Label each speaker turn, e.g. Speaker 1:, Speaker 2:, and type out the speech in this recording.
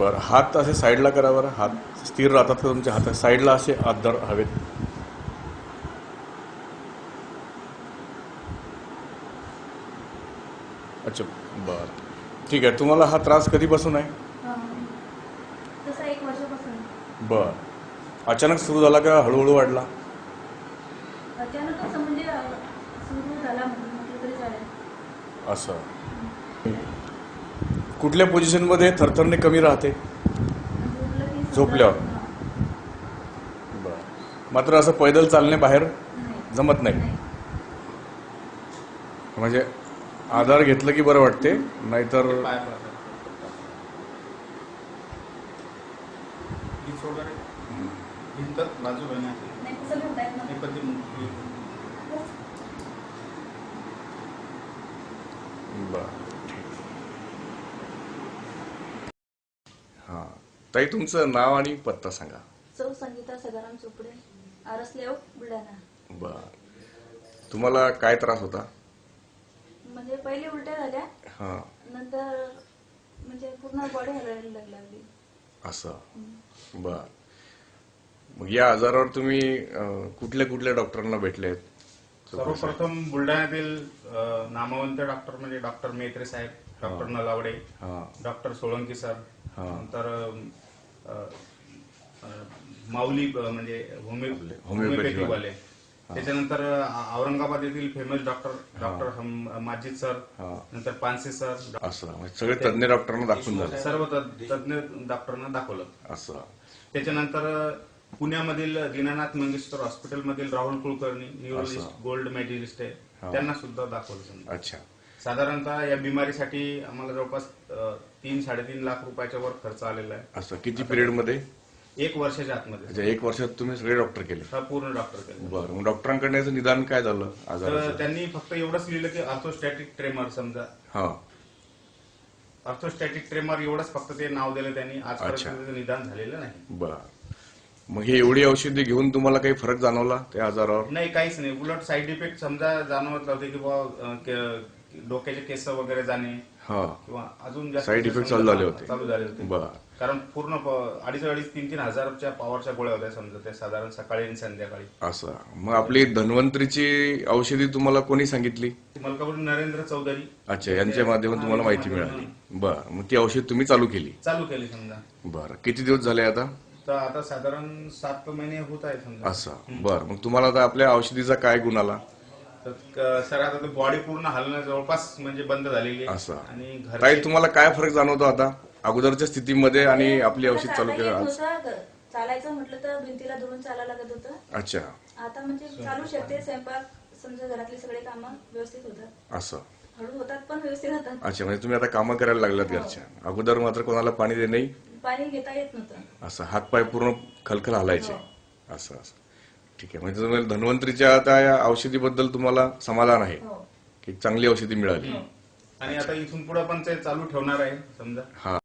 Speaker 1: बरं, हात असे साईडला करा बरं. हात स्थिर राहतात का तुमच्या हातात? साईडला असे हात हवेत. अच्छा, बरं, ठीक आहे. तुम्हाला हा त्रास कधीपासून आहे?
Speaker 2: तसा 1 वर्षापासून.
Speaker 1: बरं, अचानक सुरू झाला का हळूहळू वाढला?
Speaker 2: अचानकच म्हणजे सुरू झाला म्हटलं तरी चालेल.
Speaker 1: असं कुठल्या पोझिशनमध्ये थरथरणे कमी राहते?
Speaker 2: झोपलं की समजा-
Speaker 1: झोपल्यावर. बरं, मात्र असं पैदल चालणे बाहेर
Speaker 2: नाही.
Speaker 1: जमत नाही. म्हणजे आधार घेतलं की बरं वाटते, नाहीतर
Speaker 2: नाही कसं घेता येत ना.
Speaker 1: बरं, हां. ताई, तुमचं नाव आणि पत्ता सांगा.
Speaker 2: सौ संगीता सदाराम चोपडे, आरस लेआउट, बुलढाणा.
Speaker 1: बरं, तुम्हाला काय त्रास होता?
Speaker 2: म्हणजे पहिले उलट्या झाल्या,
Speaker 1: हां,
Speaker 2: नंतर म्हणजे पूर्ण बॉडी हलायला लागली.
Speaker 1: असं. बरं, मग या आजारावर तुम्ही कुठल्या कुठल्या डॉक्टरांना भेटलेत?
Speaker 3: सर्वप्रथम बुलढाण्यातील नामवंत डॉक्टर म्हणजे डॉक्टर मेत्रे साहेब, doctor Nalawade, doctor Solanki sir, नंतर माऊली म्हणजे होमिओपॅथीवाले, त्याच्यानंतर औरंगाबाद येथील फेमस डॉक्टर माजिद सर, नंतर पानसे सर,
Speaker 1: असं म्हणजे सगळे तज्ञ डॉक्टरांना दाखवून झाले.
Speaker 3: सर्व तज्ञ डॉक्टरांना दाखवलं.
Speaker 1: असं.
Speaker 3: त्याच्यानंतर पुण्यामधील दीनानाथ मंगेशकर हॉस्पिटलमधील Rahul Kulkarni, neurologist, gold medalist आहे, त्यांना सुद्धा दाखवलं.
Speaker 1: अच्छा.
Speaker 3: साधारणतः या बिमारीसाठी आम्हाला जवळपास 3-3.5 लाख रुपयाच्या वर खर्च आलेला आहे.
Speaker 1: असं किती पिरियड मध्ये?
Speaker 3: 1 वर्षाच्या आतमध्ये.
Speaker 1: अच्छा, 1 वर्षात तुम्ही सगळे डॉक्टर केले?
Speaker 3: हा, पूर्ण डॉक्टर केले.
Speaker 1: बरं, मग डॉक्टरांकडे याचं निदान काय झालं
Speaker 3: तर
Speaker 1: आजाराचं?
Speaker 3: त्यांनी फक्त एवढंच लिहिलं की ऑर्थोस्टॅटिक ट्रेमर, समजा
Speaker 1: हा,
Speaker 3: ऑर्थोस्टॅटिक ट्रेमर एवढंच फक्त ते नाव दिलं त्यांनी. आजपर्यंत निदान झालेलं नाही.
Speaker 1: बरं, मग हे एवढी औषधी घेऊन तुम्हाला काही फरक जाणवला त्या आजारावर?
Speaker 3: नाही, काहीच नाही. उलट साईड इफेक्ट समजा जाणवत होते की बाबा डोक्याचे केस वगैरे जाणे किंवा अजून जास्त
Speaker 1: साईड इफेक्ट चालू झाले होते.
Speaker 3: बरं, कारण पूर्ण 2,500-3,000 हजारच्या पॉवरच्या गोळ्या होत्या समजा त्या, साधारण सकाळी आणि संध्याकाळी.
Speaker 1: असं. मग आपली धन्वंतरीची औषधी तुम्हाला कोणी सांगितली?
Speaker 3: मलकापूर नरेंद्र चौधरी.
Speaker 1: अच्छा, यांच्या माध्यमातून तुम्हाला माहिती मिळाली. बरं, मग ती औषध तुम्ही चालू केली
Speaker 3: समजा.
Speaker 1: बरं, किती दिवस झाले आता?
Speaker 3: तर आता साधारण 7 महिने होत आहे समजा.
Speaker 1: असं. बरं, मग तुम्हाला आता आपल्या औषधीचा काय गुण आला?
Speaker 3: तर सर आता बॉडी पूर्ण हलणं जवळपास म्हणजे बंद झालेली आहे.
Speaker 1: असं.
Speaker 3: आणि
Speaker 1: ताई, तुम्हाला काय फरक जाणवतो आता अगोदरच्या स्थितीमध्ये आणि आपली औषध चालू केलं आज?
Speaker 2: चालायचं म्हटलं तर भिंतीला धरून चालायला लागत होतं.
Speaker 1: अच्छा.
Speaker 2: आता म्हणजे चालू शकते. स्वयंपाक समजा घरातली सगळे कामं व्यवस्थित होतात.
Speaker 1: असं.
Speaker 2: हळू होतात पण व्यवस्थित होतात.
Speaker 1: अच्छा, म्हणजे तुम्ही आता कामं करायला लागलात घरच्या. अगोदर मात्र कोणाला पाणी दे नाही,
Speaker 2: पाणी घेता येत नव्हतं.
Speaker 1: असं हातपाय पूर्ण खलखल हलायचे. असं असं. ठीक आहे, म्हणजे तुम्हाला धन्वंतरीच्या आता या औषधीबद्दल तुम्हाला समाधान आहे की चांगली औषधी मिळाली?
Speaker 3: आणि आता इथून पुढे पण ते चालू ठेवणार आहे समजा.
Speaker 1: हा.